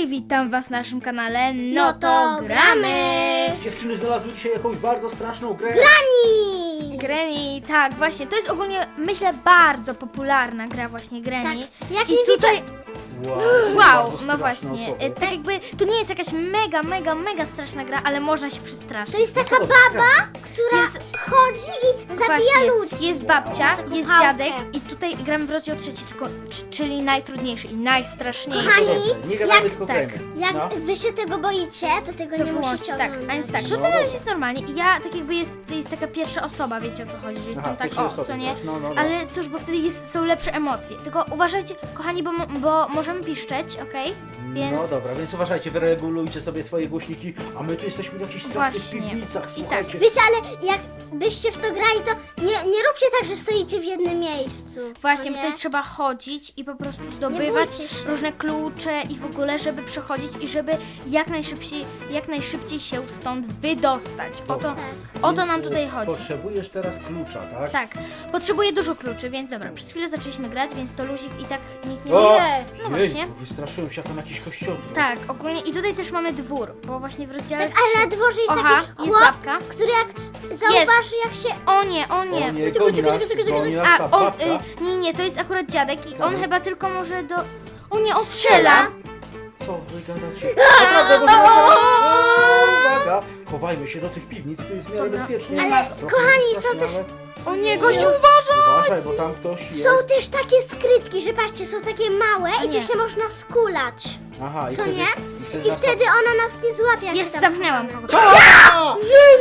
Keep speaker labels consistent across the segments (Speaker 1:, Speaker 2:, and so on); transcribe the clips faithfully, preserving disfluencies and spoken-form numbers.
Speaker 1: witam was na naszym kanale No,
Speaker 2: No
Speaker 1: to
Speaker 2: to
Speaker 1: gramy!
Speaker 3: Dziewczyny znalazły dzisiaj jakąś bardzo straszną grę.
Speaker 2: Granny!
Speaker 1: Granny, tak, właśnie, to jest ogólnie, myślę, bardzo popularna gra właśnie Granny.
Speaker 2: Tak, jak
Speaker 1: I
Speaker 2: nie
Speaker 1: tutaj,
Speaker 3: Wow,
Speaker 1: wow,
Speaker 3: bardzo
Speaker 1: no
Speaker 3: straszne
Speaker 1: właśnie,
Speaker 3: osoby.
Speaker 1: e, tak jakby, to nie jest jakaś mega, mega, mega straszna gra, ale można się przestraszyć.
Speaker 2: To jest taka
Speaker 3: Zgoda,
Speaker 2: baba, która
Speaker 1: Więc
Speaker 2: chodzi i zabija
Speaker 1: właśnie,
Speaker 2: ludzi.
Speaker 1: jest babcia,
Speaker 2: Taką
Speaker 1: jest
Speaker 2: pałkę.
Speaker 1: dziadek i tutaj gramy w rozdział trzeci, tylko, c- czyli najtrudniejszy i najstraszniejszy.
Speaker 2: Kochani,
Speaker 3: Dobrze, nie gadamy,
Speaker 2: jak-
Speaker 3: tylko
Speaker 1: tak.
Speaker 3: gramy.
Speaker 2: Jak
Speaker 3: No.
Speaker 2: wy się tego boicie, to tego
Speaker 1: To
Speaker 2: nie
Speaker 1: wyłączcie,
Speaker 2: musicie
Speaker 1: tak,
Speaker 2: oglądać.
Speaker 1: a więc tak,
Speaker 3: No
Speaker 1: tutaj na razie
Speaker 3: dobra.
Speaker 1: jest normalnie i ja tak jakby jest, jest taka pierwsza osoba, wiecie o co chodzi, że jestem
Speaker 3: Aha,
Speaker 1: tak,
Speaker 3: pierwszej
Speaker 1: o,
Speaker 3: osoby
Speaker 1: co nie?
Speaker 3: grasz, no, no, no.
Speaker 1: Ale cóż, bo wtedy jest, są lepsze emocje. Tylko uważajcie, kochani, bo, mo- bo możemy piszczeć, okej? Więc
Speaker 3: No dobra, więc uważajcie, wyregulujcie sobie swoje głośniki, a my tu jesteśmy w jakichś strasznych
Speaker 1: Właśnie.
Speaker 3: piwnicach,
Speaker 1: I
Speaker 3: słuchajcie.
Speaker 2: Wiecie, ale jak byście w to grali, to nie, nie róbcie tak, że stoicie w jednym miejscu.
Speaker 1: właśnie
Speaker 2: co nie?
Speaker 1: tutaj trzeba chodzić i po prostu zdobywać
Speaker 2: bójcie się.
Speaker 1: różne klucze i w ogóle, żeby przechodzić i żeby jak najszybciej, jak najszybciej się stąd wydostać. O to,
Speaker 3: Dobra.
Speaker 2: Tak.
Speaker 1: o to
Speaker 3: Więc,
Speaker 1: nam
Speaker 3: e,
Speaker 1: tutaj chodzi.
Speaker 3: Potrzebujesz teraz klucza, tak?
Speaker 1: Tak, potrzebuję dużo kluczy, więc dobra, przed chwilą zaczęliśmy grać, więc to luzik i tak nikt nie
Speaker 3: O!
Speaker 1: wie. No
Speaker 3: Jej,
Speaker 1: właśnie.
Speaker 3: wystraszyłem się, a tam jakiś kościotr.
Speaker 1: Tak, ogólnie i tutaj też mamy dwór, bo właśnie w rozdziale
Speaker 2: Tak, ale na dworze jest
Speaker 1: Oha,
Speaker 2: taki
Speaker 1: jest
Speaker 2: chłop,
Speaker 1: babka.
Speaker 2: który jak zauważy, jak się...
Speaker 1: O nie, o
Speaker 3: O
Speaker 1: nie.
Speaker 3: nie,
Speaker 2: Tyku,
Speaker 3: goni
Speaker 2: tyku,
Speaker 3: nas,
Speaker 2: tyku, tyku,
Speaker 3: goni nas
Speaker 1: A
Speaker 3: ta
Speaker 1: on,
Speaker 3: babka.
Speaker 1: y, nie, nie, to jest akurat dziadek i on
Speaker 3: Ciekawe.
Speaker 1: chyba tylko może do... O nie, on strzela!
Speaker 3: Co wy gadacie? Naprawdę, bo zaraz... Uwaga! Chowajmy się do tych piwnic, tu jest w miarę
Speaker 1: Dobra.
Speaker 3: bezpiecznie.
Speaker 2: Ale,
Speaker 3: Trochę
Speaker 2: kochani,
Speaker 3: strasznie,
Speaker 2: są też-
Speaker 3: ale-
Speaker 1: O nie, gościu, uważaj!
Speaker 3: Uważaj, bo tam ktoś jest.
Speaker 2: Są też takie skrytki, że patrzcie, są takie małe
Speaker 1: A
Speaker 2: i
Speaker 1: nie.
Speaker 2: tu się można skulać.
Speaker 3: Aha, i
Speaker 2: Co
Speaker 3: wtedy,
Speaker 2: nie?
Speaker 3: I wtedy,
Speaker 2: I
Speaker 3: nas
Speaker 2: wtedy ona nas nie złapie. jak
Speaker 1: Jest,
Speaker 2: tam
Speaker 1: zamknęłam
Speaker 2: schowamy.
Speaker 1: kogoś.
Speaker 3: A!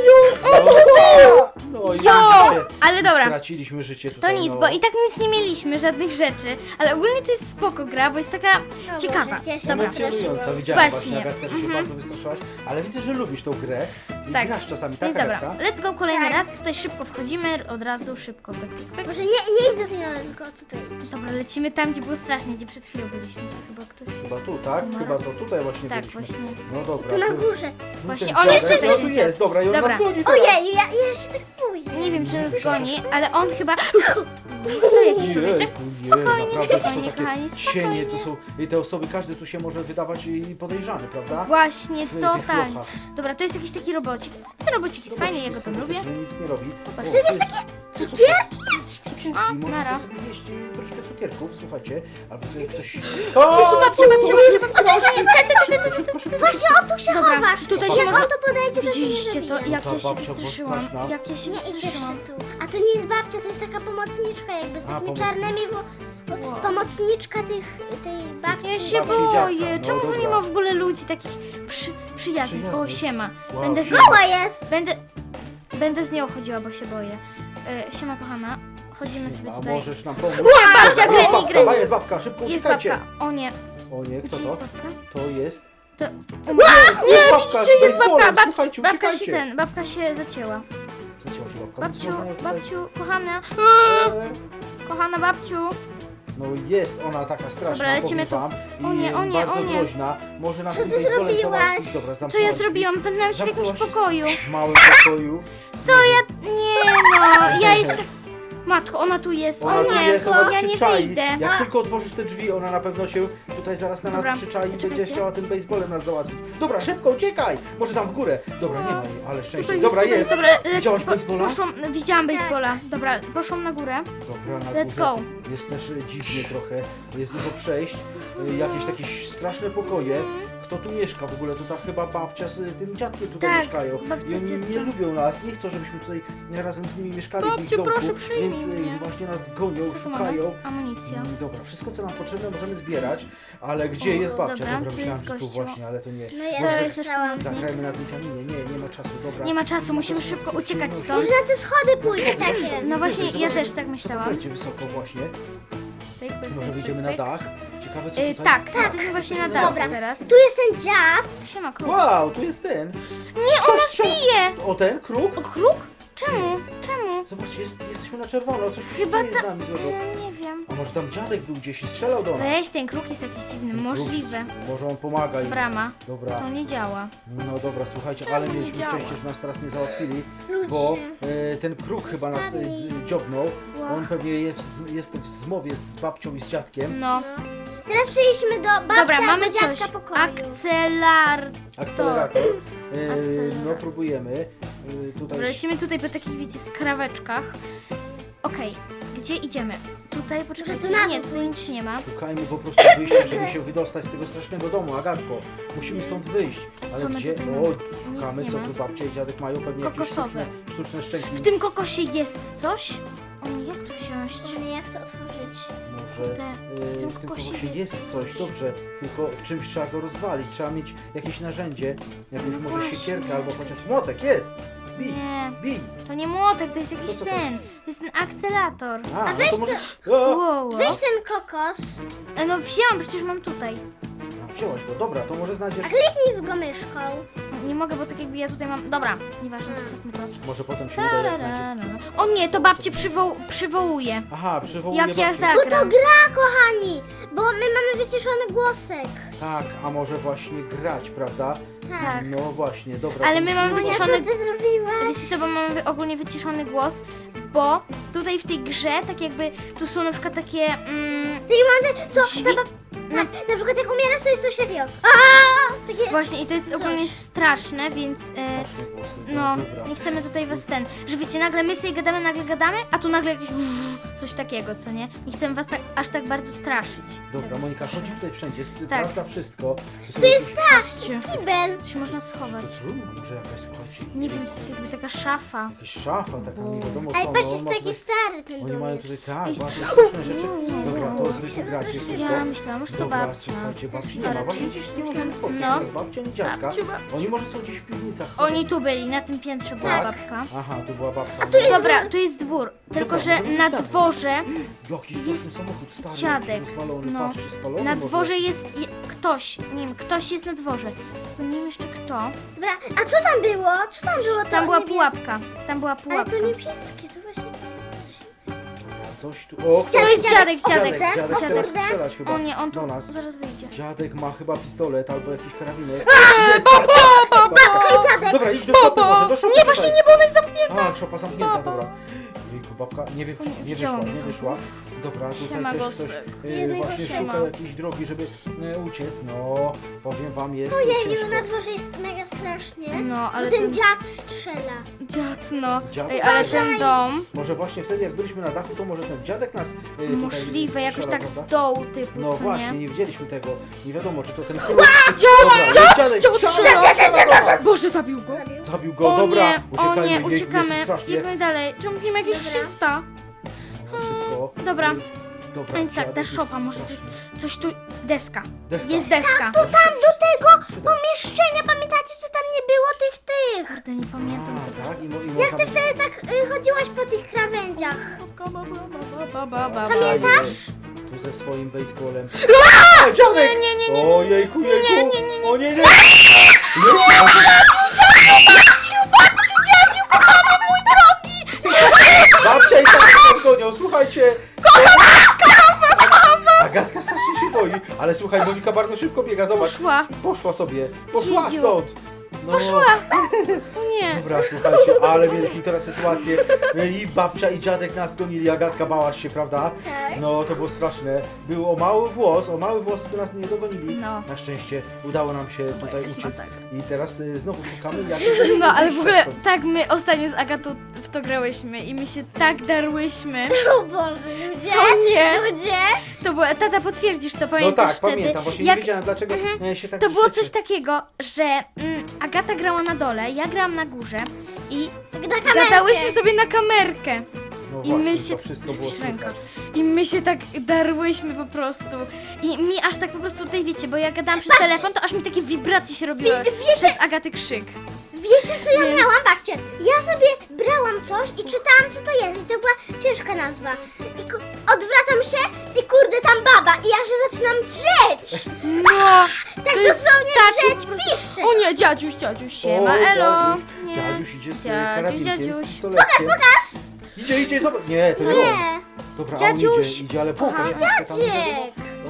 Speaker 3: No, no i
Speaker 1: Jo!
Speaker 3: widzicie,
Speaker 1: Ale dobra,
Speaker 3: straciliśmy życie
Speaker 1: to
Speaker 3: tutaj.
Speaker 1: nic,
Speaker 3: no.
Speaker 1: bo i tak nic nie mieliśmy, żadnych rzeczy, ale ogólnie to jest spoko gra, bo jest taka
Speaker 2: O
Speaker 1: ciekawa.
Speaker 2: Boże, jak ja się
Speaker 1: Dobra.
Speaker 3: Emocjonująca, widziałem
Speaker 1: Właśnie.
Speaker 3: właśnie, Agatka, że się
Speaker 1: Mhm.
Speaker 3: bardzo wystraszyłaś, ale widzę, że lubisz tą grę i
Speaker 1: Tak.
Speaker 3: grasz czasami, tak,
Speaker 1: Więc dobra,
Speaker 3: Agatka?
Speaker 1: let's go kolejny
Speaker 2: Tak.
Speaker 1: raz, tutaj szybko wchodzimy, od razu szybko, pyk, pyk, pyk.
Speaker 2: Może nie, nie idź do tej nocy, tylko tutaj.
Speaker 1: Dobra, lecimy tam, gdzie było strasznie, gdzie przed chwilą byliśmy, to chyba ktoś...
Speaker 3: Chyba tu, tak?
Speaker 1: No.
Speaker 3: Chyba to tutaj właśnie
Speaker 1: Tak,
Speaker 3: byliśmy.
Speaker 1: właśnie.
Speaker 3: No dobra.
Speaker 2: Tu na
Speaker 3: tu-
Speaker 2: górze.
Speaker 3: tu
Speaker 1: Właśnie,
Speaker 3: ten
Speaker 1: on
Speaker 3: dziadek,
Speaker 1: jest tutaj,
Speaker 3: no tu
Speaker 1: widzicie?
Speaker 3: jest, dobra, i on
Speaker 1: Dobra.
Speaker 3: nas goni teraz.
Speaker 2: Ojej, ja, ja się tak boję.
Speaker 1: Nie wiem, czy nas goni, ale on chyba... To jakiś człowieczek?
Speaker 3: Jejku, nie,
Speaker 1: Spokojnie,
Speaker 3: naprawdę, to
Speaker 1: spokojnie,
Speaker 3: są takie
Speaker 1: kochani,
Speaker 3: cienie,
Speaker 1: spokojnie.
Speaker 3: to są i te osoby, każdy tu się może wydawać i podejrzany, prawda?
Speaker 1: Właśnie,
Speaker 3: W tych
Speaker 1: totalnie.
Speaker 3: lochach.
Speaker 1: Dobra, to jest jakiś taki robocik. Ten robocik jest fajny, ja go tam
Speaker 3: Są
Speaker 1: lubię.
Speaker 3: też, że nic nie robi.
Speaker 1: Popatrz.
Speaker 3: O, to jest cukierki. Cukierki,
Speaker 1: A,
Speaker 3: możecie
Speaker 1: nara.
Speaker 3: sobie zjeść y, troszkę cukierków, słuchajcie. Albo tutaj ktoś...
Speaker 1: Jezu, babcia, babcia, babcia, babcia, babcia.
Speaker 2: Właśnie o tu się
Speaker 1: Dobra,
Speaker 2: chowasz.
Speaker 1: tutaj
Speaker 2: Jak
Speaker 1: się
Speaker 2: on
Speaker 1: można...
Speaker 2: to podejdzie, to się nie
Speaker 1: Widzieliście to,
Speaker 2: zabije.
Speaker 1: jak
Speaker 3: Ta
Speaker 1: ja się
Speaker 3: babcia była
Speaker 1: wystraszyłam.
Speaker 3: straszna.
Speaker 1: Jak ja się
Speaker 2: Nie idź jeszcze
Speaker 1: wystraszyłam.
Speaker 2: tu. A to nie jest babcia, to jest taka pomocniczka jakby z
Speaker 3: A,
Speaker 2: takimi
Speaker 3: pomocniczka.
Speaker 2: czarnymi, bo, bo pomocniczka tych, tej babci.
Speaker 1: Ja się
Speaker 3: Babci i dziadka,
Speaker 1: boję.
Speaker 3: no
Speaker 1: Czemu tu nie
Speaker 3: dobra.
Speaker 1: ma w ogóle ludzi takich przy, przyjaznych? O,
Speaker 3: Przyjaznych.
Speaker 1: siema.
Speaker 3: Wow,
Speaker 1: Będę z
Speaker 3: siema.
Speaker 1: nią,
Speaker 2: Mała jest.
Speaker 1: będę, będę z nią chodziła, bo się boję. E, siema, kochana. Chodzimy sobie
Speaker 3: A
Speaker 1: tutaj.
Speaker 3: możesz nam pomóc?
Speaker 1: babcia,
Speaker 3: Dobra, jest
Speaker 1: Granny,
Speaker 3: babka,
Speaker 1: Granny.
Speaker 3: jest babka, szybko
Speaker 1: Jest
Speaker 3: uciekajcie.
Speaker 1: babka. O nie.
Speaker 3: O nie, kto
Speaker 1: Gdzie
Speaker 3: to?
Speaker 1: jest babka?
Speaker 3: To jest...
Speaker 1: To...
Speaker 3: Jest, jest babka z
Speaker 1: Widzicie, jest babka.
Speaker 3: baseballem,
Speaker 1: Bab,
Speaker 3: słuchajcie,
Speaker 1: babka się
Speaker 3: uciekajcie.
Speaker 1: ten, babka się zacięła.
Speaker 3: Zacięła się babka, więc
Speaker 1: Babciu,
Speaker 3: można ją tutaj-
Speaker 1: babciu, kochana.
Speaker 3: Eee,
Speaker 1: Kochana babciu.
Speaker 3: No jest ona taka straszna,
Speaker 1: Dobra, lecimy
Speaker 3: powiem wam. I
Speaker 1: O nie, o nie,
Speaker 3: bardzo
Speaker 1: o nie.
Speaker 3: groźna. Może nas
Speaker 2: Co
Speaker 3: tym
Speaker 2: ty
Speaker 3: baseballem
Speaker 2: zrobiłaś?
Speaker 3: załatwić. Dobra,
Speaker 1: Co ja
Speaker 3: zamknęłaś drzwi.
Speaker 1: zrobiłam? Zamknęłam się w jakimś
Speaker 3: Zamknęłaś się
Speaker 1: pokoju.
Speaker 3: w małym pokoju.
Speaker 1: Co ja... Nie no, ja jestem... Matko, ona tu jest.
Speaker 3: Ona
Speaker 1: O
Speaker 3: tu
Speaker 1: nie,
Speaker 3: jest, ona
Speaker 1: ja nie
Speaker 3: przyczai.
Speaker 1: wyjdę.
Speaker 3: Jak tylko otworzysz te drzwi, ona na pewno się tutaj zaraz na nas
Speaker 1: Dobra,
Speaker 3: przyczai i będzie
Speaker 1: czekajcie.
Speaker 3: chciała tym baseballem nas załatwić. Dobra, szybko, uciekaj! Może tam w górę. Dobra, nie ma jej, ale szczęście.
Speaker 1: Tutaj
Speaker 3: Dobra,
Speaker 1: tutaj
Speaker 3: jest.
Speaker 1: Dobra, lecę.
Speaker 3: Widziałaś
Speaker 1: Po-
Speaker 3: baseballa?
Speaker 1: Poszłam, widziałam baseballa. Dobra, poszłam na górę.
Speaker 3: Dobra, na
Speaker 1: Let's
Speaker 3: górze
Speaker 1: go.
Speaker 3: jest też e, dziwnie trochę, jest dużo przejść, e, jakieś takie straszne pokoje. Kto tu mieszka w ogóle? To ta chyba babcia z e, tym dziadkiem tutaj
Speaker 1: Tak,
Speaker 3: mieszkają.
Speaker 1: babcia
Speaker 3: I
Speaker 1: z
Speaker 3: oni nie
Speaker 1: dziadkiem.
Speaker 3: lubią nas, nie chcą, żebyśmy tutaj razem z nimi mieszkali w ich
Speaker 1: Babciu,
Speaker 3: domku,
Speaker 1: proszę, przyjmij
Speaker 3: więc e,
Speaker 1: mnie.
Speaker 3: właśnie nas gonią,
Speaker 1: Co tu mamy?
Speaker 3: szukają.
Speaker 1: Amunicja.
Speaker 3: Mm, Dobra, wszystko co nam potrzebne możemy zbierać, ale gdzie
Speaker 1: O,
Speaker 3: jest babcia?
Speaker 1: dobra,
Speaker 3: Dobra,
Speaker 1: tu
Speaker 3: myślałam,
Speaker 1: jest
Speaker 3: że tu
Speaker 1: gościu.
Speaker 3: właśnie, ale to nie.
Speaker 2: No ja
Speaker 3: Może
Speaker 2: też myślałam.
Speaker 3: zagrajmy na tym kamienie, nie, nie ma czasu, dobra.
Speaker 1: Nie ma czasu,
Speaker 3: Nie
Speaker 1: musimy
Speaker 3: czasu,
Speaker 1: szybko
Speaker 3: to
Speaker 1: uciekać
Speaker 3: przyjemność.
Speaker 1: stąd.
Speaker 2: Może na te schody pójść
Speaker 3: Schody,
Speaker 2: takie.
Speaker 3: właśnie.
Speaker 1: No właśnie,
Speaker 3: Wyżej,
Speaker 1: ja
Speaker 3: zobacz,
Speaker 1: też tak
Speaker 3: To
Speaker 1: myślałam.
Speaker 3: będzie wysoko właśnie.
Speaker 1: Pyk, pyk,
Speaker 3: Może
Speaker 1: pyk,
Speaker 3: wyjdziemy na
Speaker 1: pyk.
Speaker 3: dach. Ciekawe co
Speaker 1: Y,
Speaker 3: tutaj.
Speaker 1: tak, jesteśmy właśnie na dachu
Speaker 2: Dobra.
Speaker 1: teraz.
Speaker 2: Tu jest ten dziad.
Speaker 1: Siema, kruk.
Speaker 3: Wow, tu jest ten.
Speaker 1: Nie,
Speaker 3: Ktoś
Speaker 1: ona
Speaker 3: strzela.
Speaker 1: bije!
Speaker 3: O ten kruk?
Speaker 1: O, kruk? Czemu? Czemu?
Speaker 3: Zobaczcie, jest, jesteśmy na czerwono, coś
Speaker 1: Chyba
Speaker 3: jest z nami złego.
Speaker 1: Ja nie wiem.
Speaker 3: A może tam dziadek był gdzieś i strzelał do nas?
Speaker 1: Weź, ten kruk jest jakiś dziwny.
Speaker 3: Ten
Speaker 1: Możliwe.
Speaker 3: kruk, Może on pomaga im.
Speaker 1: Brama.
Speaker 3: Dobra.
Speaker 1: To nie działa.
Speaker 3: No dobra, słuchajcie, ale
Speaker 1: nie
Speaker 3: mieliśmy
Speaker 1: działa?
Speaker 3: szczęście, że nas teraz nie załatwili,
Speaker 2: Ludzie.
Speaker 3: bo e, ten kruk chyba nas e,
Speaker 2: Spadli.
Speaker 3: z- dziobnął.
Speaker 1: Wow.
Speaker 3: On pewnie jest, jest w zmowie z babcią i z dziadkiem.
Speaker 1: No.
Speaker 2: Teraz przejdźmy do babcia
Speaker 1: Dobra, mamy
Speaker 2: albo dziadka
Speaker 1: coś.
Speaker 2: pokoju.
Speaker 1: Akcelar...
Speaker 3: Akcelerator. E,
Speaker 1: Akcelerator.
Speaker 3: no próbujemy. E, tutaj
Speaker 1: Dobra, lecimy tutaj po takich, wiecie, skraweczkach. Okej, gdzie idziemy? Tutaj, poczekajcie,
Speaker 2: tu na
Speaker 1: nie,
Speaker 2: dół
Speaker 1: tutaj nic nie ma.
Speaker 3: szukajmy po prostu wyjścia, żeby się wydostać z tego strasznego domu, Agatko. Musimy stąd wyjść. Ale
Speaker 1: Co my
Speaker 3: gdzie?
Speaker 1: tutaj
Speaker 3: O,
Speaker 1: mamy?
Speaker 3: szukamy,
Speaker 1: Nic
Speaker 3: co
Speaker 1: nie
Speaker 3: tu
Speaker 1: ma.
Speaker 3: babcia i dziadek mają, pewnie jakieś
Speaker 1: Kokosowe.
Speaker 3: sztuczne, sztuczne szczęki.
Speaker 1: W tym kokosie jest coś? O nie, jak to wziąć?
Speaker 2: O nie, jak to otworzyć?
Speaker 3: Może
Speaker 1: Te-
Speaker 3: e,
Speaker 1: w tym
Speaker 3: w tym
Speaker 1: kokosie
Speaker 3: kokosie
Speaker 1: jest
Speaker 3: jest coś, dobrze, tylko czymś trzeba go rozwalić, trzeba mieć jakieś narzędzie, jakąś
Speaker 1: No
Speaker 3: może
Speaker 1: właśnie.
Speaker 3: siekierkę albo chociaż młotek, jest! Bij,
Speaker 1: Nie,
Speaker 3: bij!
Speaker 1: to nie młotek, to jest jakiś
Speaker 3: to to
Speaker 1: ten. To jest ten akcelator.
Speaker 3: A, no
Speaker 2: weź
Speaker 3: to może... O!
Speaker 1: Wow,
Speaker 2: Weź ten kokos,
Speaker 1: E, no wzięłam, przecież mam tutaj.
Speaker 3: A, wzięłaś go, dobra, to może znajdziesz...
Speaker 2: a kliknij w go myszką.
Speaker 1: Nie mogę, bo tak jakby ja tutaj mam... Dobra, nieważne, zostawmy to.
Speaker 3: Może potem się uda, jak znajdzie...
Speaker 1: Tararara. O nie, to babcie przywoł... przywołuje.
Speaker 3: Aha, przywołuje
Speaker 1: Jak ja
Speaker 3: babcię.
Speaker 2: Bo to
Speaker 1: zagram.
Speaker 2: gra, kochani, bo my mamy wyciszony głosek.
Speaker 3: Tak, a może właśnie grać, prawda?
Speaker 1: Tak.
Speaker 3: No właśnie, dobra.
Speaker 1: Ale
Speaker 3: to
Speaker 1: my
Speaker 3: musimy
Speaker 1: mamy
Speaker 2: Monia,
Speaker 3: zobaczyć.
Speaker 2: co ty zrobiłaś?
Speaker 1: Wiecie co, bo mamy wy- ogólnie wyciszony głos, bo tutaj w tej grze, tak jakby, tu są na przykład takie... Mm,
Speaker 2: Ty, Mandy, co?
Speaker 1: Dźwi-
Speaker 2: Ta bab... na, na przykład jak umierasz, to jest coś takiego. Aaa! Takie...
Speaker 1: właśnie, i to jest
Speaker 2: Coś.
Speaker 1: ogólnie straszne, więc... E,
Speaker 3: Straszne głosy,
Speaker 1: no,
Speaker 3: dobra.
Speaker 1: nie chcemy tutaj was ten, że wiecie, nagle my sobie gadamy, nagle gadamy, a tu nagle jakieś coś takiego, co nie? Nie chcemy was tak, aż tak bardzo straszyć.
Speaker 3: Dobra,
Speaker 1: Zamiast
Speaker 3: Monika,
Speaker 1: straszyć.
Speaker 3: chodzi tutaj wszędzie,
Speaker 1: Tak.
Speaker 3: sprawdza wszystko.
Speaker 2: To jest tak,
Speaker 1: Patrzcie,
Speaker 2: kibel.
Speaker 1: tu się można schować.
Speaker 3: To jest ruma, może jakaś, słuchajcie.
Speaker 1: Nie wiem, to jest jakby taka szafa.
Speaker 3: Jakaś szafa taka, nie wiadomo
Speaker 2: Ej,
Speaker 3: co.
Speaker 2: patrz,
Speaker 3: no,
Speaker 2: jest
Speaker 3: ma
Speaker 2: taki
Speaker 3: tutaj-
Speaker 2: stary ten
Speaker 3: Oni
Speaker 2: dom.
Speaker 3: mają
Speaker 2: jest.
Speaker 3: tutaj tak,
Speaker 1: Jest-
Speaker 3: bardzo straszne rzeczy.
Speaker 1: Nie,
Speaker 3: Dobra,
Speaker 1: no.
Speaker 3: to zwykły gracz jest tylko.
Speaker 1: Ja myślałam, że to
Speaker 3: Dobra,
Speaker 1: babcia.
Speaker 3: słuchajcie, babci nie ma.
Speaker 1: Ale
Speaker 3: Właśnie
Speaker 1: czy-
Speaker 3: dziś nie możemy spotkać
Speaker 1: No.
Speaker 3: teraz babci ani dziadka.
Speaker 1: Babciu, babciu.
Speaker 3: Oni może są gdzieś w piwnicach.
Speaker 1: Oni tu byli, na tym piętrze była
Speaker 3: Tak.
Speaker 1: babka.
Speaker 3: Aha, tu była babka.
Speaker 1: Dobra, tu jest dwór, tylko
Speaker 3: Dobra,
Speaker 1: że
Speaker 3: możemy
Speaker 1: na
Speaker 3: iść tam.
Speaker 1: dworze,
Speaker 3: Jaki straszny
Speaker 1: jest
Speaker 3: samochód, stary,
Speaker 1: dziadek.
Speaker 3: jakiś rozwalony,
Speaker 1: No.
Speaker 3: patrzcie, spalony
Speaker 1: na
Speaker 3: może.
Speaker 1: dworze jest je, ktoś, nie wiem, ktoś jest na dworze. Tylko nie wiem jeszcze kto.
Speaker 2: Dobra, a co tam było? Co tam było? To
Speaker 1: Tam była
Speaker 2: niebieskie?
Speaker 1: pułapka, tam była
Speaker 2: Ale
Speaker 1: pułapka.
Speaker 2: to niebieskie, to właśnie...
Speaker 3: Coś tu... O,
Speaker 1: To jest
Speaker 3: ktoś-
Speaker 1: dziadek, dziadek,
Speaker 3: Dziadek, dziadek chce
Speaker 1: dziadek.
Speaker 3: nas strzelać chyba
Speaker 1: O nie, on tu
Speaker 3: do nas.
Speaker 1: zaraz wyjdzie.
Speaker 3: Dziadek ma chyba pistolet albo jakiś karabinek. Jest, babcia! Babka.
Speaker 2: dziadek.
Speaker 3: Dobra, idź do szopy może, do szopy
Speaker 1: Nie, właśnie nie, bo ona jest zamknięta.
Speaker 3: A, szopa zamknięta, dobra. Jejku, babka nie, wy,
Speaker 1: O nie,
Speaker 3: nie
Speaker 1: widziała
Speaker 3: wyszła,
Speaker 1: mnie
Speaker 3: nie
Speaker 1: tam.
Speaker 3: wyszła. Dobra,
Speaker 1: Siema,
Speaker 3: tutaj też ktoś
Speaker 1: Gostek.
Speaker 3: e,
Speaker 2: Jednego
Speaker 3: właśnie
Speaker 1: siema.
Speaker 3: szuka jakiejś drogi, żeby e, uciec. No, powiem wam, jest
Speaker 2: Ojeju,
Speaker 3: ciężko.
Speaker 2: na dworze jest mega strasznie.
Speaker 1: No, ale
Speaker 2: Ale ten
Speaker 1: ten
Speaker 2: dziad strzela.
Speaker 1: dziad, no.
Speaker 3: Dziad
Speaker 1: Ej, ale
Speaker 3: strzela.
Speaker 1: ten dom,
Speaker 3: Może właśnie wtedy, jak byliśmy na dachu, to może ten dziadek nas e, tutaj
Speaker 1: możliwe, jakoś
Speaker 3: strzela,
Speaker 1: tak z
Speaker 3: prawda?
Speaker 1: dołu typu,
Speaker 3: No
Speaker 1: co
Speaker 3: właśnie,
Speaker 1: nie?
Speaker 3: nie widzieliśmy tego. Nie wiadomo, czy to ten król... Dobra, jest dziadek,
Speaker 1: Dziad
Speaker 3: strzela,
Speaker 1: strzela!
Speaker 3: strzela do nas!
Speaker 1: Boże, zabił go.
Speaker 3: Zabił go,
Speaker 1: O
Speaker 3: dobra,
Speaker 1: nie, o
Speaker 3: uciekajmy,
Speaker 1: nie,
Speaker 3: jejku, jest
Speaker 1: uciekamy.
Speaker 3: strasznie.
Speaker 1: Jedźmy dalej. Czemu nie ma jakiegoś
Speaker 2: Dobra.
Speaker 1: shifta?
Speaker 3: No, szybko.
Speaker 1: Dobra.
Speaker 3: Dobra,
Speaker 1: A więc tak, ta
Speaker 3: dziadek jest
Speaker 1: szopa, może
Speaker 3: straszny.
Speaker 1: Coś tu... Deska.
Speaker 3: Deska.
Speaker 1: Jest deska.
Speaker 2: To tam do tego
Speaker 3: Przyda.
Speaker 2: pomieszczenia, pamiętacie, co tam nie było tych tych?
Speaker 1: Kurde, nie pamiętam za
Speaker 3: A, tak?
Speaker 1: bardzo.
Speaker 3: I, mo- i
Speaker 2: Jak
Speaker 3: można
Speaker 2: ty wtedy tak y, chodziłaś po tych krawędziach?
Speaker 3: Pamiętasz? Tu ze swoim baseballem. O, dziadek!
Speaker 1: Nie, nie, nie, nie, nie.
Speaker 3: O jejku, jejku!
Speaker 1: Nie, nie, nie, nie.
Speaker 3: O nie, nie!
Speaker 1: Babciu, babciu, dziadziu, kochany mój drogi!
Speaker 3: Babcia i tak nas gonią, słuchajcie! Kocham was, kocham was, kocham was! Agatka strasznie się boi, ale słuchaj, Monika bardzo szybko biega, zobacz.
Speaker 1: Poszła.
Speaker 3: Poszła sobie, poszła
Speaker 1: Jedziu.
Speaker 3: stąd! No,
Speaker 1: Poszła. O nie.
Speaker 3: Dobra, słuchajcie, ale mieliśmy teraz sytuację i babcia i dziadek nas gonili, Agatka bałaś się, prawda?
Speaker 2: Tak.
Speaker 3: No, to było straszne. Był o mały włos, o mały włos, by nas nie dogonili.
Speaker 1: No.
Speaker 3: Na szczęście udało nam się tutaj
Speaker 1: jakaś
Speaker 3: uciec.
Speaker 1: masakra.
Speaker 3: I teraz y, znowu szukamy jak...
Speaker 1: No, ale w ogóle
Speaker 3: wyjść stąd.
Speaker 1: tak my ostatnio z Agatą w to grałyśmy i my się tak darłyśmy.
Speaker 2: O Boże, ludzie!
Speaker 1: Co nie?
Speaker 2: Ludzie!
Speaker 1: To było, tata potwierdzisz to,
Speaker 3: No
Speaker 1: pamiętasz
Speaker 3: tak,
Speaker 1: wtedy?
Speaker 3: pamiętam, właśnie
Speaker 1: jak
Speaker 3: nie wiedziałem dlaczego e, się tak
Speaker 1: To było
Speaker 3: trzecie.
Speaker 1: coś takiego, że mm, Agata grała na dole, ja grałam na górze i
Speaker 2: Tak na kamerkę.
Speaker 1: gadałyśmy sobie na kamerkę.
Speaker 3: No
Speaker 1: I
Speaker 3: właśnie,
Speaker 1: my się...
Speaker 3: to wszystko było
Speaker 1: Ręka.
Speaker 3: słychać.
Speaker 1: I my się tak darłyśmy po prostu. I mi aż tak po prostu tutaj wiecie, bo ja gadałam przez telefon, to aż mi takie wibracje się robiły przez Agaty krzyk.
Speaker 2: Wiecie co ja
Speaker 1: Więc-
Speaker 2: miałam? Patrzcie, ja sobie brałam coś i czytałam co to jest i to była ciężka nazwa. I ku- odwracam się i kurde tam baba i ja się zaczynam drzeć.
Speaker 1: No!
Speaker 2: Tak
Speaker 1: To jest
Speaker 2: dosłownie
Speaker 1: taki
Speaker 2: drzeć
Speaker 1: po prostu-
Speaker 2: pisze.
Speaker 1: O nie, dziadziuś, dziadziuś, siema,
Speaker 3: O,
Speaker 1: elo.
Speaker 3: Dziadziuś,
Speaker 1: Nie.
Speaker 3: dziadziuś idzie z
Speaker 1: Dziadziuś,
Speaker 3: karabinkiem, z
Speaker 1: dziadziuś.
Speaker 3: pistoletkiem. Pokaż, pokaż! Idzie, idzie, zobacz. Nie, to nie on.
Speaker 2: Nie,
Speaker 3: Dobra, on
Speaker 1: Dziadziuś.
Speaker 3: idzie, idzie, ale pokaż.
Speaker 1: Aha.
Speaker 3: jak to tam idzie.
Speaker 2: Dziadek.
Speaker 3: No,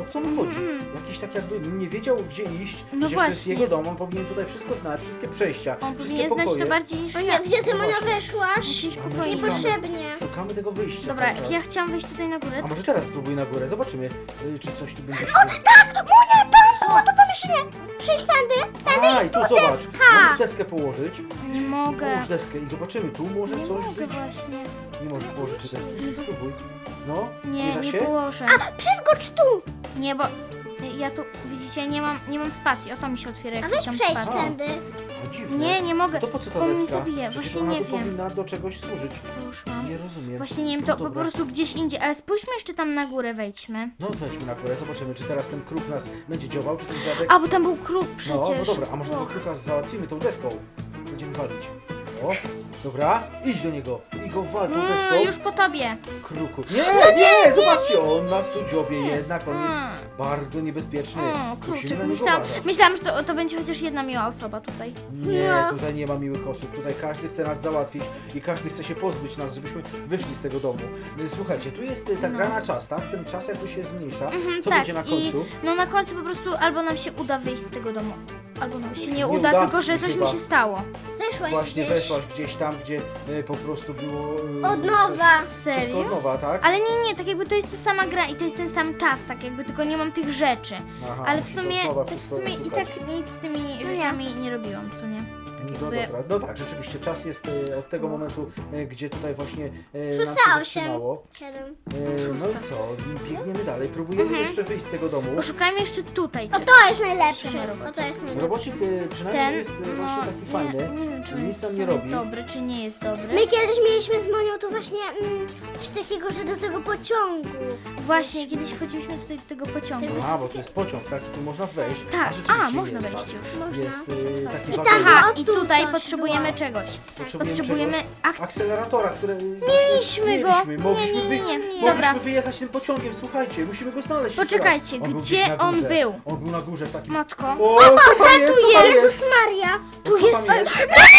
Speaker 3: co mu chodzi.
Speaker 1: Mm.
Speaker 3: Jakiś tak jakby nie wiedział, gdzie iść.
Speaker 1: No
Speaker 3: Przecież to jest
Speaker 1: właśnie.
Speaker 3: jego dom, on powinien tutaj wszystko znać, wszystkie przejścia,
Speaker 1: On
Speaker 3: wszystkie
Speaker 1: powinien znać
Speaker 3: pokoje.
Speaker 1: to bardziej niż
Speaker 2: O nie,
Speaker 1: ja.
Speaker 2: gdzie ty,
Speaker 3: No
Speaker 2: Monia,
Speaker 3: właśnie.
Speaker 2: weszłaś?
Speaker 1: Jakieś
Speaker 3: A my
Speaker 1: pokoje.
Speaker 3: szukamy-
Speaker 2: Niepotrzebnie.
Speaker 3: Szukamy tego wyjścia
Speaker 1: Dobra,
Speaker 3: cały czas.
Speaker 1: ja chciałam wejść tutaj na górę.
Speaker 3: A może teraz spróbuj na górę, zobaczymy, y, czy coś tu będzie.
Speaker 2: Tak, Monia, tam było to pomieszczenie. Przyjdź tędy, tędy
Speaker 3: A, i tu zobacz,
Speaker 2: deska.
Speaker 3: możesz deskę położyć.
Speaker 1: Nie mogę.
Speaker 3: Połóż deskę i zobaczymy, tu może
Speaker 1: Nie
Speaker 3: coś
Speaker 1: mogę
Speaker 3: być.
Speaker 1: właśnie.
Speaker 3: Nie możesz położyć tu deski, spróbuj. No,
Speaker 1: Nie,
Speaker 3: da
Speaker 1: nie
Speaker 3: się?
Speaker 1: położę.
Speaker 2: A, przeskocz tu.
Speaker 1: Nie, bo ja tu, widzicie, nie mam, nie mam spacji. O, to mi się otwiera,
Speaker 2: A
Speaker 1: jak
Speaker 2: weź
Speaker 1: tam
Speaker 2: przejdź
Speaker 1: spacji.
Speaker 2: tędy.
Speaker 3: A dziwne.
Speaker 1: Nie, nie mogę.
Speaker 3: No to po co ta
Speaker 1: On mi
Speaker 3: deska?
Speaker 1: zabije,
Speaker 3: Przecież
Speaker 1: właśnie
Speaker 3: ona
Speaker 1: nie
Speaker 3: tu
Speaker 1: wiem.
Speaker 3: powinna do czegoś służyć.
Speaker 1: Co już mam?
Speaker 3: Nie rozumiem.
Speaker 1: Właśnie nie wiem,
Speaker 3: No
Speaker 1: to po
Speaker 3: dobra.
Speaker 1: prostu gdzieś indziej, ale spójrzmy jeszcze tam na górę, wejdźmy.
Speaker 3: No wejdźmy na górę, zobaczymy, czy teraz ten kruk nas będzie działał, czy ten dziadek...
Speaker 1: A, bo tam był kruk przecież.
Speaker 3: No, no dobra, a może tego
Speaker 1: Och.
Speaker 3: kruka załatwimy tą deską? Będziemy walić. O, dobra, idź do niego i go wal tą deską.
Speaker 1: Mm, już po tobie.
Speaker 3: Kruku. Nie, nie, zobaczcie, on nas tu dziobie jednak, on jest
Speaker 1: Mm.
Speaker 3: bardzo niebezpieczny.
Speaker 1: O,
Speaker 3: Musimy
Speaker 1: kurczę,
Speaker 3: na niego
Speaker 1: myślałam,
Speaker 3: uważać.
Speaker 1: myślałam, że to, to będzie chociaż jedna miła osoba tutaj.
Speaker 3: Nie,
Speaker 2: No.
Speaker 3: tutaj nie ma miłych osób, tutaj każdy chce nas załatwić i każdy chce się pozbyć nas, żebyśmy wyszli z tego domu. Słuchajcie, tu jest y, ta
Speaker 1: No.
Speaker 3: gra na czas, tak? Ten czas jakby się zmniejsza.
Speaker 1: Mhm,
Speaker 3: Co
Speaker 1: tak,
Speaker 3: będzie na końcu?
Speaker 1: I no na końcu po prostu albo nam się uda wyjść z tego domu, albo nam się nie,
Speaker 3: Nie
Speaker 1: uda,
Speaker 3: uda,
Speaker 1: tylko że coś
Speaker 3: chyba.
Speaker 1: mi się stało.
Speaker 2: Weszłaś
Speaker 3: Właśnie
Speaker 2: gdzieś.
Speaker 3: weszłaś gdzieś tam, gdzie y, po prostu było... y,
Speaker 2: Od nowa.
Speaker 3: Przez,
Speaker 1: Serio?
Speaker 3: Wszystko od nowa, tak?
Speaker 1: Ale nie, nie, tak jakby to jest ta sama gra i to jest ten sam czas, tak jakby tylko nie mam tych rzeczy.
Speaker 3: Aha,
Speaker 1: Ale w
Speaker 3: musisz od
Speaker 1: sumie,
Speaker 3: nowa
Speaker 1: tak w
Speaker 3: wszystko
Speaker 1: sumie i
Speaker 3: szukać.
Speaker 1: tak nic z tymi
Speaker 2: nie.
Speaker 1: rzeczami nie robiłam, co nie?
Speaker 3: No
Speaker 1: jakby-
Speaker 3: dobra, no tak, rzeczywiście czas jest y, od tego
Speaker 1: Och.
Speaker 3: momentu, y, gdzie tutaj właśnie y, nam
Speaker 2: Szósta,
Speaker 3: się
Speaker 2: osiem.
Speaker 3: zatrzymało.
Speaker 2: Siedem.
Speaker 3: Y, no
Speaker 1: Szósta.
Speaker 3: i co, biegniemy dalej, próbujemy
Speaker 1: Mhm.
Speaker 3: jeszcze wyjść z tego domu.
Speaker 1: Poszukajmy jeszcze tutaj.
Speaker 2: O,
Speaker 1: czy-
Speaker 2: to jest najlepsze.
Speaker 1: Trzyma
Speaker 2: O,
Speaker 1: robot.
Speaker 2: to jest najlepsze.
Speaker 3: Robocik y, przynajmniej
Speaker 1: Ten,
Speaker 3: jest y, właśnie taki
Speaker 1: no,
Speaker 3: fajny.
Speaker 1: Nie, nie wiem, czy on
Speaker 3: Nic
Speaker 1: jest
Speaker 3: nam
Speaker 1: w
Speaker 3: nie
Speaker 1: sumie
Speaker 3: robi.
Speaker 1: dobry, czy nie jest dobry.
Speaker 2: My kiedyś mieliśmy z Monią tu właśnie mm, coś takiego, że do tego pociągu.
Speaker 1: Właśnie, kiedyś wchodziliśmy tutaj do tego pociągu.
Speaker 2: Tego-
Speaker 3: A, bo to jest pociąg, tak? I tu można wejść.
Speaker 1: Tak,
Speaker 3: rzeczywiście
Speaker 1: a, można
Speaker 3: jest,
Speaker 1: wejść
Speaker 3: tak.
Speaker 1: już.
Speaker 2: Można.
Speaker 3: Jest
Speaker 1: Jest
Speaker 3: y,
Speaker 1: otwarte.
Speaker 3: taki
Speaker 2: I tam
Speaker 3: wagonik.
Speaker 1: Aha,
Speaker 2: O,
Speaker 1: i
Speaker 2: tu
Speaker 1: tutaj
Speaker 2: coś
Speaker 1: potrzebujemy
Speaker 2: było.
Speaker 1: czegoś.
Speaker 3: Potrzebujemy
Speaker 1: Potrzebujemy
Speaker 3: czegoś?
Speaker 1: akcji.
Speaker 3: Akceleratora, które y,
Speaker 1: Mieliśmy go.
Speaker 3: mieliśmy.
Speaker 1: Nie,
Speaker 3: Mogliśmy,
Speaker 1: nie, nie, nie.
Speaker 3: wy-
Speaker 1: Dobra.
Speaker 3: mogliśmy wyjechać tym pociągiem, słuchajcie, musimy go znaleźć jeszcze
Speaker 1: Poczekajcie,
Speaker 3: raz. On był
Speaker 1: gdzie
Speaker 3: gdzieś na
Speaker 1: on
Speaker 3: górze.
Speaker 1: był?
Speaker 3: On był na górze w takim...
Speaker 1: Matko.
Speaker 3: O, co tam jest? Co tam
Speaker 1: jest?
Speaker 3: jest?
Speaker 2: Maria.
Speaker 1: Tu
Speaker 3: Co
Speaker 1: jest...
Speaker 3: tam jest?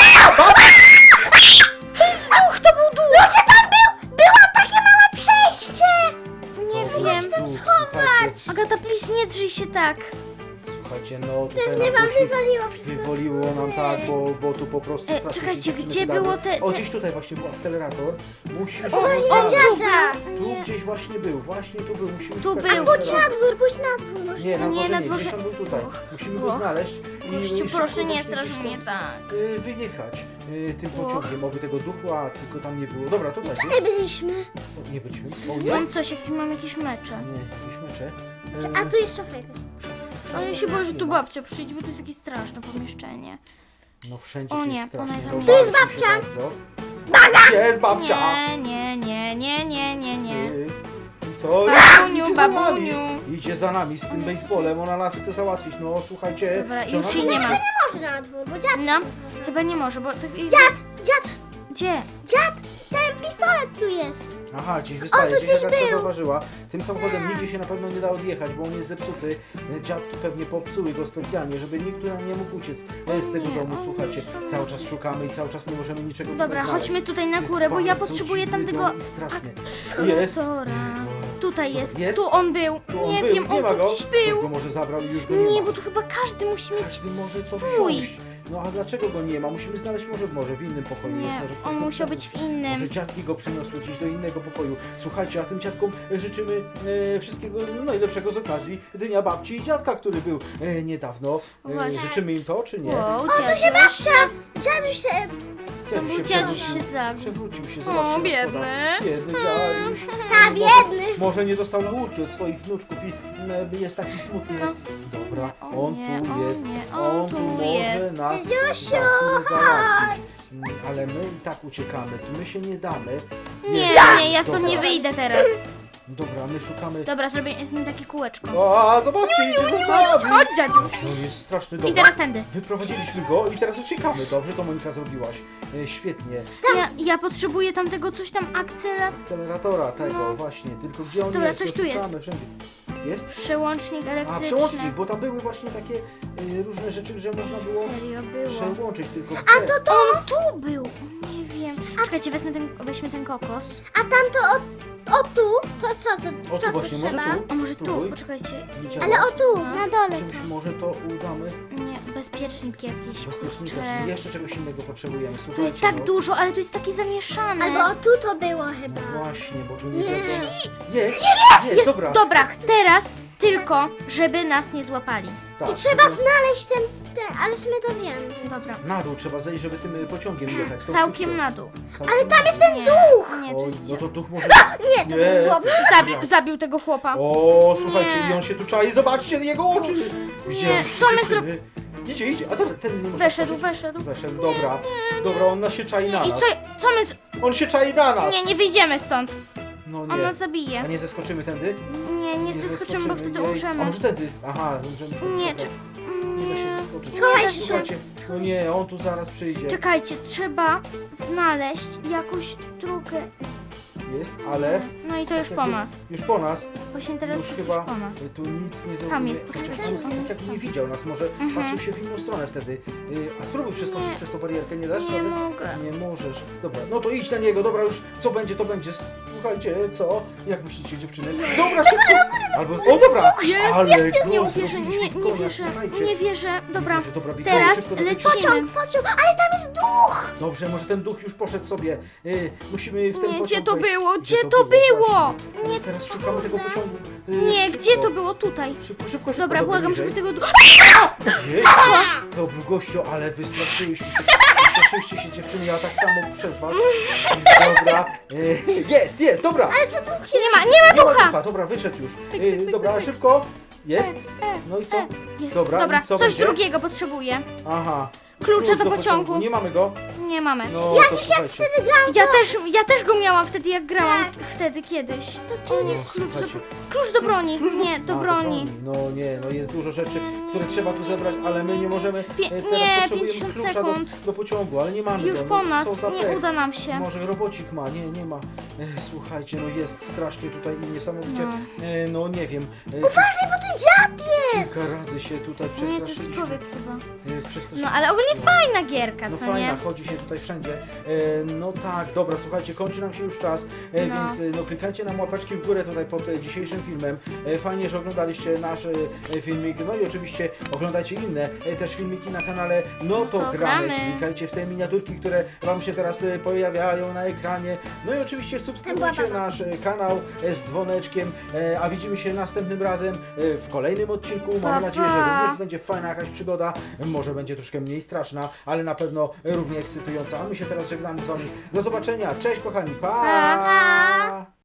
Speaker 1: Duch, to był duch!
Speaker 2: Ludzie, tam był! Było takie małe przejście!
Speaker 1: Nie
Speaker 3: Dobra,
Speaker 1: wiem.
Speaker 3: tu, słuchajcie,
Speaker 1: Agata, please, nie drzyj się tak.
Speaker 3: słuchajcie, no tutaj
Speaker 2: Pewnie
Speaker 3: nam
Speaker 2: wam
Speaker 3: poszli-
Speaker 2: wywaliło wszystko.
Speaker 3: Wywoliło nam tak, bo, bo tu po prostu
Speaker 1: E,
Speaker 3: strasznie
Speaker 1: czekajcie,
Speaker 3: się dziewczyny
Speaker 1: gdzie
Speaker 3: wydały.
Speaker 1: było te-
Speaker 3: O,
Speaker 1: te-
Speaker 3: gdzieś tutaj właśnie był akcelerator. Musisz
Speaker 1: O,
Speaker 3: go
Speaker 2: właśnie
Speaker 3: znaleźć.
Speaker 2: dziada.
Speaker 3: Tu
Speaker 1: Nie.
Speaker 3: gdzieś właśnie był, właśnie tu był. Musimy
Speaker 1: Tu
Speaker 3: szukać
Speaker 1: był.
Speaker 3: jeszcze
Speaker 2: Pójdź
Speaker 3: raz.
Speaker 2: na dwór, pójdź na dwór. Może.
Speaker 3: Nie, na
Speaker 1: Nie,
Speaker 3: dworze
Speaker 1: na
Speaker 3: nie,
Speaker 1: dworze-
Speaker 3: gdzieś on był tutaj.
Speaker 1: Och.
Speaker 3: Musimy go
Speaker 1: Och.
Speaker 3: znaleźć i
Speaker 1: Kościół,
Speaker 3: i szybko
Speaker 1: proszę, nie
Speaker 3: właśnie
Speaker 1: straż
Speaker 3: gdzieś
Speaker 1: mnie
Speaker 3: stąd,
Speaker 1: tak.
Speaker 3: y, wyjechać y, tym
Speaker 1: Och.
Speaker 3: pociągiem, oby tego ducha tylko tam nie było. Dobra, tutaj
Speaker 2: Gdzie
Speaker 3: jest.
Speaker 2: my byliśmy?
Speaker 3: Co, nie byliśmy? O,
Speaker 1: Mam
Speaker 3: jest?
Speaker 1: coś, jak mam jakieś mecze.
Speaker 3: Nie, jakieś mecze. Y,
Speaker 2: A tu jest szafa jakaś.
Speaker 3: w- w-
Speaker 1: Ale ja
Speaker 3: w-
Speaker 1: się boję,
Speaker 3: nic
Speaker 1: że
Speaker 3: nie
Speaker 1: tu
Speaker 3: ma.
Speaker 1: babcia przyjdzie, bo tu jest jakieś straszne pomieszczenie.
Speaker 3: No wszędzie
Speaker 1: O
Speaker 3: tu
Speaker 1: nie,
Speaker 3: jest strasznie.
Speaker 1: ona
Speaker 3: No,
Speaker 1: tam
Speaker 2: Tu jest
Speaker 3: bałem się
Speaker 2: babcia.
Speaker 3: bardzo. Baga! Jest babcia!
Speaker 1: Nie, nie, nie, nie, nie, nie, nie.
Speaker 3: Y, I co?
Speaker 1: Babuniu,
Speaker 3: Idzie za nami.
Speaker 1: babuniu.
Speaker 3: Idzie za nami z tym baseballem, ona nas chce załatwić. No słuchajcie.
Speaker 1: Dobra,
Speaker 3: czy
Speaker 1: już
Speaker 3: ona-
Speaker 1: jej nie ma.
Speaker 2: Można na dwór, bo dziad...
Speaker 1: No, chyba nie może, bo... Tak,
Speaker 2: Dziad, dziad,
Speaker 1: gdzie?
Speaker 2: dziad, ten pistolet tu jest.
Speaker 3: Aha, gdzieś wystaje,
Speaker 2: tu
Speaker 3: gdzieś
Speaker 2: gdzieś
Speaker 3: Agatka
Speaker 2: był.
Speaker 3: zauważyła. Tym samochodem nigdzie się na pewno nie da odjechać, bo on jest zepsuty. E, Dziadki pewnie popsuły go specjalnie, żeby nikt tu nie mógł uciec e, z tego
Speaker 1: nie,
Speaker 3: domu.
Speaker 1: o
Speaker 3: Słuchajcie,
Speaker 1: nie,
Speaker 3: cały czas szukamy i cały czas nie możemy niczego
Speaker 1: Dobra,
Speaker 3: tutaj znaleźć.
Speaker 1: chodźmy tutaj na
Speaker 3: Jest
Speaker 1: górę, bo ja
Speaker 3: bardzo
Speaker 1: potrzebuję
Speaker 3: dziwny
Speaker 1: tamtego...
Speaker 3: dom i strasznie.
Speaker 1: akceleratora.
Speaker 3: Jest.
Speaker 1: Tutaj jest.
Speaker 3: Jest?
Speaker 1: Tu on był.
Speaker 3: Tu on
Speaker 1: Nie
Speaker 3: był,
Speaker 1: wiem,
Speaker 3: nie
Speaker 1: on
Speaker 3: ma
Speaker 1: tu
Speaker 3: go.
Speaker 1: gdzieś
Speaker 3: Ktoś
Speaker 1: był.
Speaker 3: go może zabrał i już go nie,
Speaker 1: Nie,
Speaker 3: ma.
Speaker 1: bo tu chyba każdy musi mieć
Speaker 3: Każdy może to
Speaker 1: swój.
Speaker 3: wziąć. No a dlaczego go nie ma? Musimy znaleźć może, może w innym pokoju. jest,
Speaker 1: Nie,
Speaker 3: może ktoś
Speaker 1: on
Speaker 3: go
Speaker 1: musiał
Speaker 3: przeniósł.
Speaker 1: być w innym.
Speaker 3: Może dziadki go przeniosły gdzieś do innego pokoju. Słuchajcie, a tym dziadkom e, życzymy e, wszystkiego najlepszego z okazji Dnia Babci i Dziadka, który był e, niedawno. E,
Speaker 1: Właśnie.
Speaker 3: życzymy im to, czy nie?
Speaker 1: Wow,
Speaker 2: O, tu się
Speaker 1: dziaduś.
Speaker 2: babcia, dziaduś się...
Speaker 3: Dziaduś się
Speaker 1: Dziaduś
Speaker 3: przewrócił.
Speaker 1: się zlagł.
Speaker 3: Przewrócił się,
Speaker 1: O,
Speaker 3: zobaczcie. na
Speaker 1: biedny.
Speaker 3: schodach. Biedny dziaduś.
Speaker 2: Ta, biedny.
Speaker 3: Może nie dostał laurki od swoich wnuczków i e, jest taki smutny.
Speaker 1: No.
Speaker 3: Dobra,
Speaker 1: O
Speaker 3: on
Speaker 1: nie,
Speaker 3: tu
Speaker 1: o
Speaker 3: jest.
Speaker 1: nie,
Speaker 3: On,
Speaker 1: on
Speaker 3: tu
Speaker 1: tu
Speaker 3: może
Speaker 1: jest.
Speaker 3: nas za
Speaker 2: Dziadusiu,
Speaker 3: chwilę załatwić. Mm, Ale my i tak uciekamy, tu my się nie damy.
Speaker 1: Nie,
Speaker 3: Jest.
Speaker 1: nie, ja stąd
Speaker 3: Dobra.
Speaker 1: nie wyjdę teraz.
Speaker 3: Dobra, my szukamy.
Speaker 1: Dobra, zrobię z nim takie kółeczko.
Speaker 3: O, zobaczcie, idzie za nami.
Speaker 1: Chodź, dziadziuś.
Speaker 3: On jest straszny
Speaker 1: I
Speaker 3: dobra.
Speaker 1: teraz tędy.
Speaker 3: Wyprowadziliśmy go i teraz uciekamy. Dobrze to Monika zrobiłaś. E, świetnie.
Speaker 1: Ja, ja potrzebuję tamtego coś tam akcela.
Speaker 3: Akceleratora tego
Speaker 1: No.
Speaker 3: właśnie. Tylko gdzie on
Speaker 1: Dobra,
Speaker 3: jest?
Speaker 1: coś
Speaker 3: No,
Speaker 1: tu jest.
Speaker 3: szukamy wszędzie. Jest?
Speaker 1: Przełącznik
Speaker 3: A,
Speaker 1: elektryczny.
Speaker 3: przełącznik, bo tam były właśnie takie e, różne rzeczy, że można było
Speaker 1: Serio było.
Speaker 3: przełączyć tylko.
Speaker 2: A to to...
Speaker 1: On tu był. Nie wiem. Czekajcie, wezmę ten, weźmy ten kokos.
Speaker 2: A tamto o, o tu, to co, to,
Speaker 3: O
Speaker 2: co
Speaker 3: tu
Speaker 2: tu
Speaker 3: właśnie, może
Speaker 2: trzeba?
Speaker 3: tu?
Speaker 1: A może tu?
Speaker 3: Spróbuj.
Speaker 1: Poczekajcie.
Speaker 3: Nie działa.
Speaker 2: Ale o tu,
Speaker 1: No.
Speaker 2: na dole.
Speaker 3: Czymś może to udamy.
Speaker 1: Nie, bezpiecznik jakiś,
Speaker 3: Bezpiecznika,
Speaker 1: kurczę.
Speaker 3: czyli jeszcze czegoś innego potrzebujemy.
Speaker 1: Tu
Speaker 3: Słuchajcie,
Speaker 1: jest tak
Speaker 3: no.
Speaker 1: dużo, ale tu jest takie zamieszane.
Speaker 2: Albo o tu to było chyba.
Speaker 3: No właśnie, bo tu nie,
Speaker 2: Nie.
Speaker 3: wiadomo. Jest, jest,
Speaker 1: Jest,
Speaker 3: dobra.
Speaker 1: dobra, teraz tylko, żeby nas nie złapali.
Speaker 3: Tak,
Speaker 2: I trzeba
Speaker 3: tylko
Speaker 2: znaleźć ten, ten, ale my to wiemy.
Speaker 1: Dobra,
Speaker 3: na dół trzeba zejść, żeby tym pociągiem jechać. To
Speaker 1: całkiem
Speaker 3: szybko.
Speaker 1: na dół.
Speaker 3: Całkiem
Speaker 2: Ale tam
Speaker 3: na
Speaker 2: jest
Speaker 3: dół.
Speaker 2: ten
Speaker 1: Nie,
Speaker 2: duch!
Speaker 1: nie, tu
Speaker 3: Oj,
Speaker 1: jest
Speaker 3: no to duch może...
Speaker 2: Nie, to
Speaker 3: Nie.
Speaker 2: było.
Speaker 1: Zabił, zabił tego chłopa.
Speaker 3: O, słuchajcie,
Speaker 1: Nie.
Speaker 3: i on się tu czai, zobaczcie jego oczy! Widziałem
Speaker 1: co my
Speaker 3: dziewczyny. Idzie, idzie, a ten, ten nie może
Speaker 1: Weszedł,
Speaker 3: wskoczyć.
Speaker 1: weszedł.
Speaker 3: Weszedł, dobra. Dobra, on nas się czai na
Speaker 1: I
Speaker 3: nas.
Speaker 1: co, co my... z-
Speaker 3: On się czai na nas!
Speaker 1: Nie, nie wyjdziemy stąd.
Speaker 3: No
Speaker 1: On
Speaker 3: nie.
Speaker 1: nas
Speaker 3: A
Speaker 1: zabije.
Speaker 3: nie zeskoczymy tędy?
Speaker 1: Nie, nie zeskoczymy, bo wtedy
Speaker 3: jej. A
Speaker 1: umrzemy.
Speaker 3: może tędy? Aha, umrzemy.
Speaker 1: Nie,
Speaker 3: Dobra.
Speaker 1: czy...
Speaker 3: Nie da się
Speaker 1: Nie.
Speaker 3: zeskoczyć.
Speaker 2: Schowaj się.
Speaker 3: Słuchajcie, no nie, on tu zaraz przyjdzie.
Speaker 1: Czekajcie, trzeba znaleźć jakąś drogę.
Speaker 3: Jest, ale...
Speaker 1: No i to już po nas.
Speaker 3: Już po nas.
Speaker 1: Właśnie teraz
Speaker 3: już
Speaker 1: jest
Speaker 3: chyba
Speaker 1: już po nas.
Speaker 3: tu nic nie zrobimy.
Speaker 1: Tam jest,
Speaker 3: Chociaż
Speaker 1: poczekajcie,
Speaker 3: on
Speaker 1: on
Speaker 3: tak
Speaker 1: jest
Speaker 3: jakby nie
Speaker 1: tam.
Speaker 3: widział nas, może
Speaker 1: Mhm.
Speaker 3: patrzył się w inną stronę wtedy. Y, A spróbuj przeskoczyć
Speaker 1: Nie.
Speaker 3: przez tą barierkę, nie dasz
Speaker 1: Nie
Speaker 3: rady?
Speaker 1: mogę.
Speaker 3: Nie możesz. Dobra, no to idź na niego, dobra już, co będzie, to będzie. Słuchajcie, co? Jak myślicie, dziewczyny? Dobra, szybko! Albo, o dobra!
Speaker 1: Jest,
Speaker 3: Ale
Speaker 1: Nie
Speaker 3: go
Speaker 1: uwierzę,
Speaker 3: zrobiliśmy
Speaker 1: nie,
Speaker 3: w
Speaker 1: nie
Speaker 3: konia,
Speaker 1: wierzę,
Speaker 3: słuchajcie.
Speaker 1: nie wierzę. Dobra,
Speaker 3: Nie wierzę, dobra, biegnijmy
Speaker 1: teraz
Speaker 3: szybko do tego-
Speaker 1: lecimy.
Speaker 2: Pociąg, pociąg, ale tam jest duch!
Speaker 3: Dobrze, może ten duch już poszedł sobie. Y, musimy w ten
Speaker 1: Nie,
Speaker 3: pociąg
Speaker 1: gdzie to
Speaker 3: wejść.
Speaker 1: było? Gdzie to było?
Speaker 3: Właśnie.
Speaker 1: Nie,
Speaker 3: Teraz szukamy tego pociągu. Y,
Speaker 1: nie,
Speaker 3: szybko.
Speaker 1: gdzie to było? Tutaj.
Speaker 3: Szybko, szybko, szybko.
Speaker 1: Dobra, błagam,
Speaker 3: bliżej.
Speaker 1: żeby tego... du-
Speaker 3: Jej, to był gościu, ale wystraszyliście się. Wystraszyliście się dziewczyny, ja tak samo przez was. Dobra. y, Jest, jest, dobra.
Speaker 1: Nie ma, nie ma
Speaker 3: Nie ma
Speaker 1: ducha!
Speaker 3: ducha, dobra, wyszedł już. Y, Dobra, szybko. Jest. No i co?
Speaker 1: Jest,
Speaker 3: Dobra,
Speaker 1: dobra,
Speaker 3: i co
Speaker 1: coś
Speaker 3: będzie?
Speaker 1: drugiego potrzebuję.
Speaker 3: Aha.
Speaker 1: Klucze
Speaker 3: Klucz
Speaker 1: do pociągu.
Speaker 3: Nie mamy go.
Speaker 1: Nie mamy.
Speaker 3: No,
Speaker 2: Ja
Speaker 3: to
Speaker 2: dziś jak
Speaker 3: słuchajcie.
Speaker 2: wtedy grałam,
Speaker 1: Ja też, ja też go miałam wtedy, jak grałam
Speaker 2: Tak.
Speaker 1: wtedy kiedyś.
Speaker 2: to tu jest...
Speaker 1: Klucz do,
Speaker 3: Słuchajcie.
Speaker 1: klucz do broni.
Speaker 3: Klucz
Speaker 1: Nie, do
Speaker 3: A,
Speaker 1: broni.
Speaker 3: No nie, no jest dużo rzeczy,
Speaker 1: Nie, nie,
Speaker 3: które trzeba tu zebrać, ale my nie możemy.
Speaker 1: Pie-
Speaker 3: e, teraz
Speaker 1: nie,
Speaker 3: potrzebujemy
Speaker 1: pięćdziesiąt
Speaker 3: klucza do,
Speaker 1: sekund.
Speaker 3: do pociągu, ale nie mamy
Speaker 1: Już
Speaker 3: go.
Speaker 1: po
Speaker 3: no,
Speaker 1: nas,
Speaker 3: co za
Speaker 1: nie
Speaker 3: pech.
Speaker 1: uda nam się.
Speaker 3: Może robocik ma, nie, nie ma. E, słuchajcie, no jest strasznie tutaj i niesamowicie,
Speaker 1: No.
Speaker 3: e, no nie wiem. E,
Speaker 2: Uważaj, bo tu dziad jest!
Speaker 3: Kilka razy się tutaj
Speaker 1: Nie, to jest
Speaker 3: przestraszyliśmy.
Speaker 1: człowiek chyba.
Speaker 3: E, przestraszyliśmy.
Speaker 1: No ale ogólnie fajna gierka,
Speaker 3: No
Speaker 1: co
Speaker 3: fajna,
Speaker 1: nie?
Speaker 3: chodzi się tutaj wszędzie. E, no tak, dobra, słuchajcie, kończy nam się już czas, e,
Speaker 1: No.
Speaker 3: więc e, no klikajcie nam łapeczki w górę tutaj pod e, dzisiejszym filmem. E, fajnie, że oglądaliście nasz e, filmik, no i oczywiście oglądajcie inne e, też filmiki na kanale No to,
Speaker 1: To
Speaker 3: gramy.
Speaker 1: gramy.
Speaker 3: Klikajcie w te miniaturki, które wam się teraz e, pojawiają na ekranie. No i oczywiście subskrybujcie
Speaker 2: Baba.
Speaker 3: nasz e, kanał e, z dzwoneczkiem, e, a widzimy się następnym razem e, w kolejnym odcinku. Mamy
Speaker 1: Pa,
Speaker 3: nadzieję, że
Speaker 1: pa.
Speaker 3: również będzie fajna jakaś przygoda, może będzie troszkę mniej straszna, ale na pewno równie ekscytująca. A my się teraz żegnamy z wami. Do zobaczenia, cześć kochani, pa!
Speaker 1: Pa.